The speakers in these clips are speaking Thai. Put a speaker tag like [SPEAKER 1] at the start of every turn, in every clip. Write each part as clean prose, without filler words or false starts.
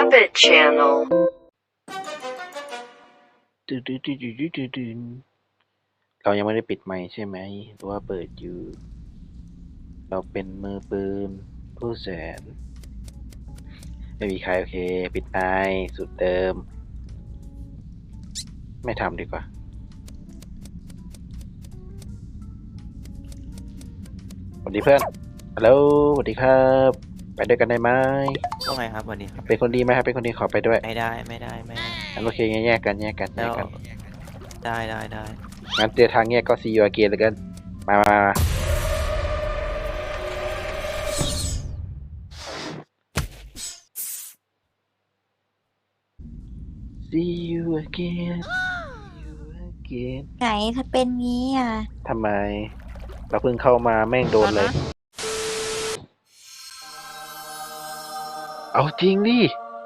[SPEAKER 1] Rabbit Channel
[SPEAKER 2] ตื่นเรายังไม่ได้ปิดไมค์ใช่ไหมหรือว่าเปิดอยู่เราเป็นมือปืนผู้แสนไม่มีใครโอเคปิดไมค์สุดเดิมไม่ทำดีกว่าสวัสดีเพื่อนฮัลโหลสวัสดีครับไปด้วยกันได้ไหม
[SPEAKER 3] ว่าไงครับวันนี้ครับ
[SPEAKER 2] เป็นคนดีไหมครับเป็นคนดีขอไปด้วย
[SPEAKER 3] ไม่ได้
[SPEAKER 2] งั้นโอเคงั้นแยกกัน
[SPEAKER 3] แล้วได้
[SPEAKER 2] งั้นเจอทางแยกก็see you again เลยกันมา see you again
[SPEAKER 4] ไหนถ้าเป็นงี้อ่ะ
[SPEAKER 2] ทำไมเราเพิ่งเข้ามาแม่งโดนเลยเอาจริงดิ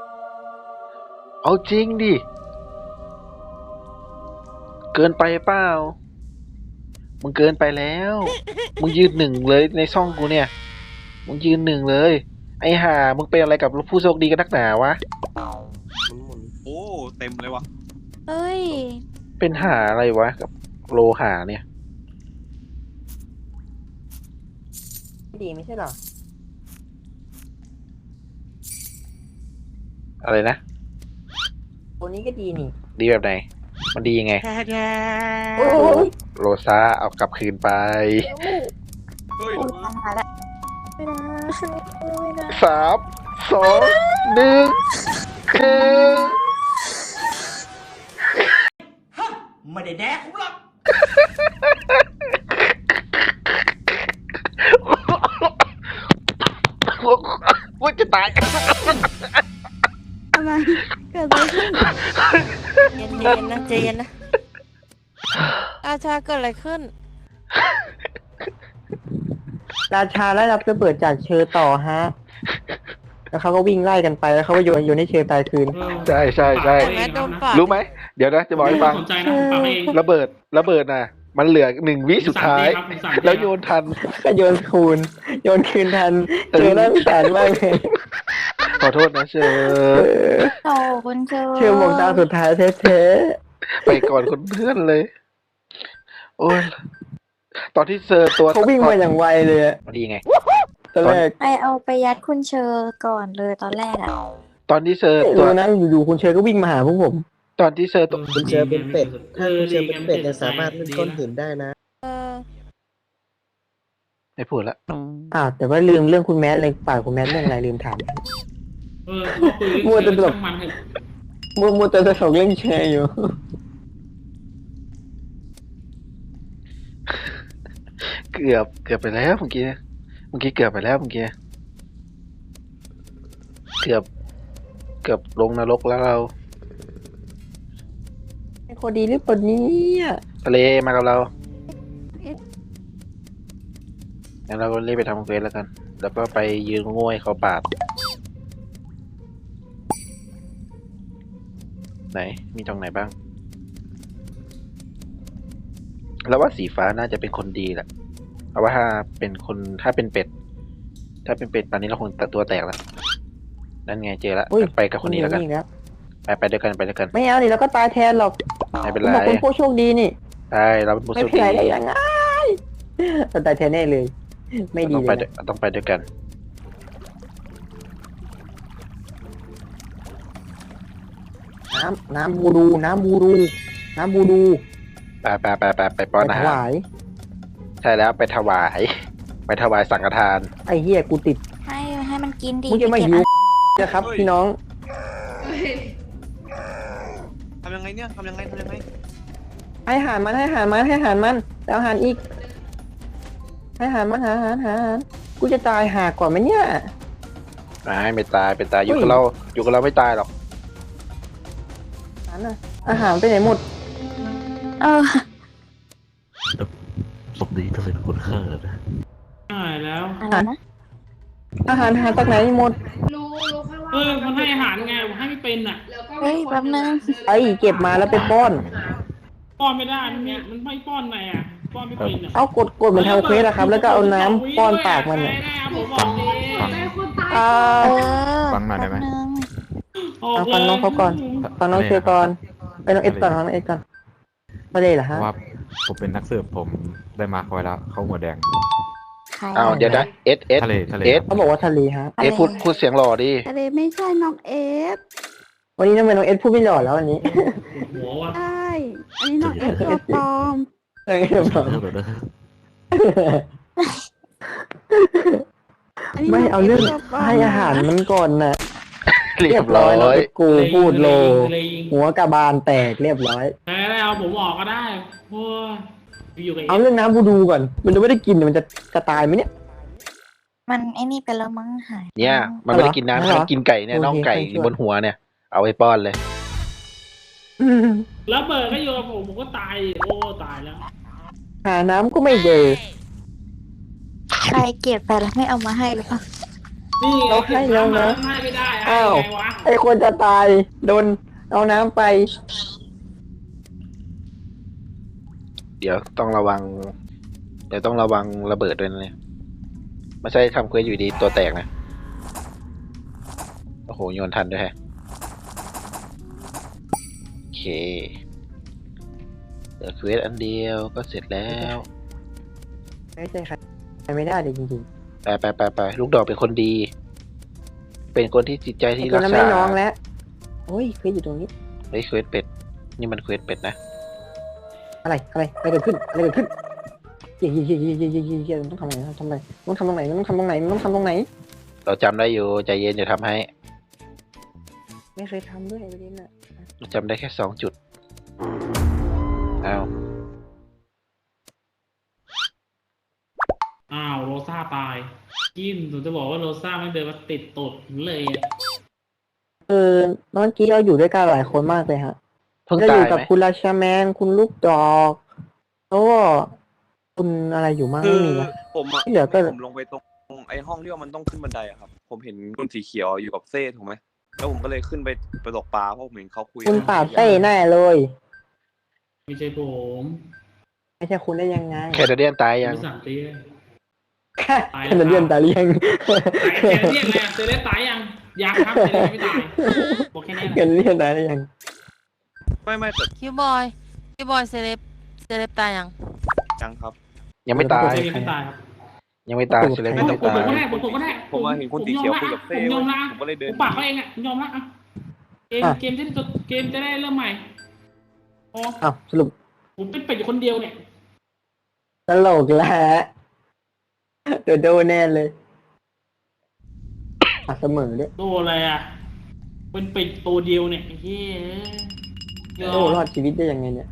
[SPEAKER 2] เกินไปเปล่ามึงเกินไปแล้วมึงยืนหนึ่งเลยในช่องกูเนี่ยมึงยืนหนึ่งเลยไอ้ห่ามึงเป็นอะไรกับผู้โชคดีกันนักหนาวะ
[SPEAKER 5] หมุนโอ้เต็มเลยวะ
[SPEAKER 4] เอ้ย
[SPEAKER 2] เป็นหาอะไรวะกับโลหาเนี่ย
[SPEAKER 6] ดีไม่ใช่หรอ
[SPEAKER 2] อะไรนะ
[SPEAKER 6] ตัวนี้ก็ดีนี่
[SPEAKER 2] ดีแบบไหนมันดียังไงโลซาเอากลับคืนไป
[SPEAKER 4] มาละไม่ได้
[SPEAKER 2] 3 2 1คือ
[SPEAKER 6] ไม่ได้แดกหรอก
[SPEAKER 2] ว่าจะตาย
[SPEAKER 4] ทำไมเกิดอะไรขึ้นเย็นๆนะใจเย็นนะอาชาเกิดอะไรขึ้น
[SPEAKER 6] ราชาไล่รับระเบิดจากเชอต่อฮะแล้วเขาก็วิ่งไล่กันไปแล้วเขาก็โยนให้เชอตายคืน
[SPEAKER 2] ใช่รู้ไหมเดี๋ยวนะจะบอกให้ฟังระเบิดน่ะมันเหลือ1 วิสุดท้ายแล้วโยนทัน
[SPEAKER 6] ก็โยนคืนทันเชอน่าสงสารมากเลย
[SPEAKER 2] ขอโทษนะเชอ
[SPEAKER 4] โอ้คุณเชอ
[SPEAKER 6] หมองตาสุดท้ายแท้
[SPEAKER 2] ๆไปก่อนคนเพื่อนเลยโอ้ยตอนที่เชอตัว
[SPEAKER 6] เขาวิ่งมาอย่างไวเลยอะ
[SPEAKER 2] ดีไง
[SPEAKER 6] ตอนแรก
[SPEAKER 4] ไปเอาไปยัดคุณเชอก่อนเลยตอนแรกอ่ะ
[SPEAKER 2] ตอนที่เชอ
[SPEAKER 6] ตัวนั้นอยู่คุณเชอก็วิ่งมาหาพวกผม
[SPEAKER 2] ตอนที่เชอตัว
[SPEAKER 7] คุณเชอเป็นเป็ดถ้าคุณเชอเป็นเป็ดจะสามารถเล่นก้อนหินได้นะ
[SPEAKER 2] ไม่พูดละ
[SPEAKER 6] แต่ว่าลืมเรื่องคุณแมทเลยป่าคุณแมทเรื่องอะไรลืมถามมัวแต่ตลกมัวแต่ตลกเรื่องแชร์อยู่
[SPEAKER 2] เกือบไปแล้วเมื่อกี้เกือบไปแล้วเกือบลงนรกแล้วเรา
[SPEAKER 6] ไอ้คนดีหรือคนนี้
[SPEAKER 2] ทะเลมากับเรางั้นเราก็รีบไปทำเควสแล้วกันแล้วก็ไปยืนง่วยเขาปาดไหนมีตรงไหนบ้างแล้วว่าสีฟ้าน่าจะเป็นคนดีแหละเพราะว่าถ้าเป็นเป็ดป่านนี้เราคงตัวแตกแล้วนั่นไงเจอแล้วไปกับคนนี้แล้วกันไปด้วยกัน
[SPEAKER 6] ไม่เอาดิแล้วก็ตายแทนหรอก
[SPEAKER 2] ไม่เป็นไร
[SPEAKER 6] เราเป็นผู้โชคดีนี่
[SPEAKER 2] ใช่เราเป็นผู้โชคดี
[SPEAKER 6] ไม่เป็นไรได้ยังไงตายแทนแน่เลยไม่ดีเลย
[SPEAKER 2] ต้องไปด้วยกัน
[SPEAKER 6] น้ำบูดู
[SPEAKER 2] ไปป้อนอาหารใช่แล้วไปถวายสังฆทาน
[SPEAKER 6] ไอ้เหี้ยกูติด
[SPEAKER 4] ให้มันกินดี
[SPEAKER 6] มึงจะไม่หิวนะครับพี่น้อง
[SPEAKER 5] ทำยังไงเนี่ยทำยังไง
[SPEAKER 6] ให้อาหารมันแล้วอาหารอีกให้อาหารมันหากูจะตายหาก่อนไหมเนี่ย
[SPEAKER 2] ไม่ตายอยู่กับเราไม่ตายหรอก
[SPEAKER 6] อาหารไปไหนหมด
[SPEAKER 7] ศพดีถ้าเป็นคนฆ่านะ
[SPEAKER 8] ใช่แล้ว
[SPEAKER 6] อาหารหาจากไหนหมด
[SPEAKER 8] มันให้อาหารไงให้ไม่เป็นอ่ะ
[SPEAKER 4] เฮ้ยแป๊บนึง
[SPEAKER 6] เก็บมาแล้วไปป้อน
[SPEAKER 8] ไม่ได้เนี่ยมันไม่ป้อนไงอ่ะป้อนไม่เป็นอ่ะ
[SPEAKER 6] เอากดเหมือนทำเควสอะครับแล้วก็เอาน้ำป้อนปากมันเนี่ย
[SPEAKER 7] ฟังหน่อยได้ไหม
[SPEAKER 6] เอาฟังน้องเขาก่อนฟังน้องเชยร์ก่อนไปน้องเอสก่อนฟังน้องเอสก่อนทะเลเหรอ
[SPEAKER 1] เพ
[SPEAKER 6] ฮะ
[SPEAKER 1] ราะว่าผมเป็นนักสืบผมได้มาร์คไว้แล้วเขาหัวแดง
[SPEAKER 4] ใคร
[SPEAKER 2] อ้าวเดี๋ยวนะเอส
[SPEAKER 1] ทะเลทะเล
[SPEAKER 2] เอส
[SPEAKER 6] เขาบอกว่าทะเลฮะ
[SPEAKER 2] เอสพูดเสียงหล่อดิ
[SPEAKER 4] ทะเลไม่ใช่น้องเอฟ
[SPEAKER 6] วันนี้ทำไมน้องเอสพูดไม่หล่อแล้ววันนี้
[SPEAKER 8] หัวว่ะ
[SPEAKER 4] ใช่อันนี้น้องเอฟตัวปลอม
[SPEAKER 6] เออเดี๋ยวบอก
[SPEAKER 4] อันนี้
[SPEAKER 6] ไม่
[SPEAKER 4] น้
[SPEAKER 6] เอาเรื่อง
[SPEAKER 4] ตัวปลม
[SPEAKER 6] ให้อาหารมันก่อนนะ
[SPEAKER 2] เรียบร้อ
[SPEAKER 6] น้อง
[SPEAKER 2] ย
[SPEAKER 6] เอสกูพูดโล
[SPEAKER 8] เลยยิง
[SPEAKER 6] หัวกระบาลแตกเรียบร้อย
[SPEAKER 8] แต่เอาผมออกก็ได้โอ้ยอยู่กับ
[SPEAKER 6] เอาเรื่องน้ำบูดูก่อน มันจะไม่ได้กินมันจะตายไหมเนี่ย
[SPEAKER 4] มันไอ้นี่ไปแล้วมั้งหาย
[SPEAKER 2] เนี่ย มันไม่ได้กินน้ำ
[SPEAKER 6] เหรอ
[SPEAKER 2] มันกินไก่เนี่ย
[SPEAKER 6] โอเค
[SPEAKER 2] น่องไก่
[SPEAKER 6] ช่วย
[SPEAKER 2] บนหัวเนี่ย เอาไปป้อนเลย
[SPEAKER 8] แล้วเบิร์ดก็อยู่กับผมก็ตายโอ้ตายแล้ว
[SPEAKER 6] หาน้ำก็ไม่เจอ
[SPEAKER 4] ใครเก็บไปแล้วไม่เอามาให้หรือเปล่า
[SPEAKER 8] นี่
[SPEAKER 6] เราให้แล้วนะ
[SPEAKER 8] ให้ไม่ได้
[SPEAKER 6] อ้าว
[SPEAKER 8] ไงวะ
[SPEAKER 6] ไอคนจะตายโดนเอาน้ำไป
[SPEAKER 2] เดี๋ยวต้องระวัง เดี๋ยวต้องระวังระเบิดด้วยนะเนี่ยไม่ใช่ทำเควสอยู่ดีตัวแตกนะ โอ้โหโยนทันด้วยแฮะ โอเคเหลือเควสอันเดียวก็เสร็จแล้ว
[SPEAKER 6] ไม่ใช่ใครไม่ได้เลยจริง
[SPEAKER 2] ไปลูกดอกเป็นคนดี เป็นคนที่จิตใจ
[SPEAKER 6] ๆไอ
[SPEAKER 2] ที่
[SPEAKER 6] ตัว
[SPEAKER 2] รัก
[SPEAKER 6] นั้น
[SPEAKER 2] ษา
[SPEAKER 6] ไม่น้องแล้วโอ้ยเคยอยู่ตรงนี้
[SPEAKER 2] เฮ้ยเควสเป็ด นี่มันเควสเป็ดนะ
[SPEAKER 6] อะไรเกิดขึ้นเฮียต้องทำอะไรต้องทำตรงไหนต้องทำตรงไหนต้องทำตรงไหน
[SPEAKER 2] เราจำได้อยู่ใจเย็นอย่าทำให้
[SPEAKER 6] ไม่เคยทำด้วยประเด็นน่ะ
[SPEAKER 2] จำได้แค่2 จุด อ้าว
[SPEAKER 8] อ้าวโรซ่าตายกินผมจะบอกว่าโรซ่าไม่เดินมาติดตดเลยอะ
[SPEAKER 6] เมื่อกี้เราอยู่ด้วยกันหลายคนมากเลยฮะ
[SPEAKER 2] เพิ่ง
[SPEAKER 6] เราอ
[SPEAKER 2] ตา
[SPEAKER 6] ยู่
[SPEAKER 2] ย
[SPEAKER 6] กับ
[SPEAKER 2] ไหม
[SPEAKER 6] คุณราชาแมนคุณลูกดอกแล้วก็คุณอะไรอยู่มั่ง
[SPEAKER 5] คื
[SPEAKER 6] ไม่
[SPEAKER 5] อ
[SPEAKER 6] มีนะ
[SPEAKER 5] ผมอะ
[SPEAKER 6] ที่เหลือก็
[SPEAKER 5] ผมลงไปตรงไอ้ห้องที่ว่ามันต้องขึ้นบันไดอะครับ ผมเห็นคุณสีเขียวอยู่กับเซ่ถูกไหมแล้วผมก็เลยขึ้นไปตกปลาเพราะผมเห็นเขาคุย
[SPEAKER 6] คุณปราบเต้แน่เลย
[SPEAKER 8] ไม่ใช่ผม
[SPEAKER 6] ไม่ใช่คุณได้ยังไง
[SPEAKER 2] แคนาเดียนตายยัง
[SPEAKER 8] ไม่สั่งเตี้ย ตายแล้ว
[SPEAKER 6] แคนาเดียนตายหรือยัง
[SPEAKER 8] ตายแค่เรียกไงเซเลสตายยังครับเซเลสไม่ตายบอกแค่นี้
[SPEAKER 6] แคนาเดียนตายหรือยัง
[SPEAKER 5] ไม่แต่
[SPEAKER 9] คิวบอยเซเลบตายยัง
[SPEAKER 5] จังครับ
[SPEAKER 2] ยังไม่ตาย
[SPEAKER 8] เซเลสไม่ตายครับ
[SPEAKER 2] ยังไม่ตายเซเลบ
[SPEAKER 8] ไม่
[SPEAKER 2] ยัง
[SPEAKER 8] ต้อ
[SPEAKER 2] ไม่
[SPEAKER 8] งผม
[SPEAKER 2] ตาย
[SPEAKER 8] ก็ได้ผมก็ได้
[SPEAKER 5] ผมว่าเห็นคุณสีเขียวคุยกับเซ่
[SPEAKER 8] ผมยอมละ
[SPEAKER 5] ผมก็เลยเดิ
[SPEAKER 8] ผ
[SPEAKER 5] น
[SPEAKER 8] มปากเขาเองอ่ะผมยอมละเกมจะได้เริ่มใหม่อ๋อ
[SPEAKER 6] อ้าวสรุป
[SPEAKER 8] ผมเป็นเป็ดอยู่คนเดียวเนี่ย
[SPEAKER 6] ตลกแล้วโดนแน่เลยเสมอด้วย
[SPEAKER 8] โดนอะไรอ่ะเป็นเป็ดตัวเดียวเนี่ยเฮ้ย
[SPEAKER 6] โดรอดชีวิตได้ยังไงเนี่ย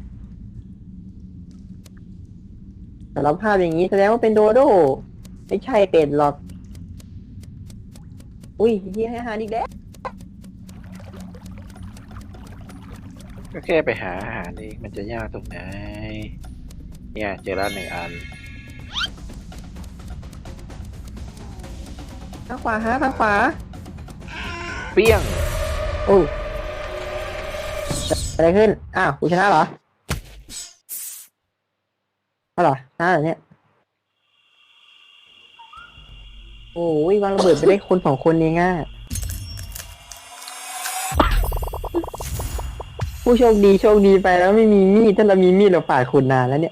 [SPEAKER 6] สารภาพอย่างนี้แสดงว่าเป็นโดโดไม่ใช่เป็ดหรอกอุ้ยเฮียให้อาหารอีกแล้ว
[SPEAKER 2] ก็แค่ไปหาอาหารเองมันจะยากตรงไหน เนี่ยเจอแล้ว1 อัน
[SPEAKER 6] ทางขวาฮะทางขวา
[SPEAKER 2] เปี้ยง
[SPEAKER 6] โอ้อะไรขึ้นอ้าวกูชนะเหรอเอาเหรอชนะเหรอเนี่ยโอ้ยวางระเบิดไปได้คน2 คนเองอ่ะผู้โชคดีไปแล้วไม่มีมีดถ้าเรามีมีดเราปาดคุณนานแล้วเนี่ย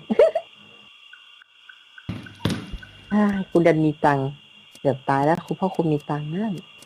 [SPEAKER 6] คุณดันมีตังค์เกือบตายแล้วคุณพ่อคุณมีตังค์นั่น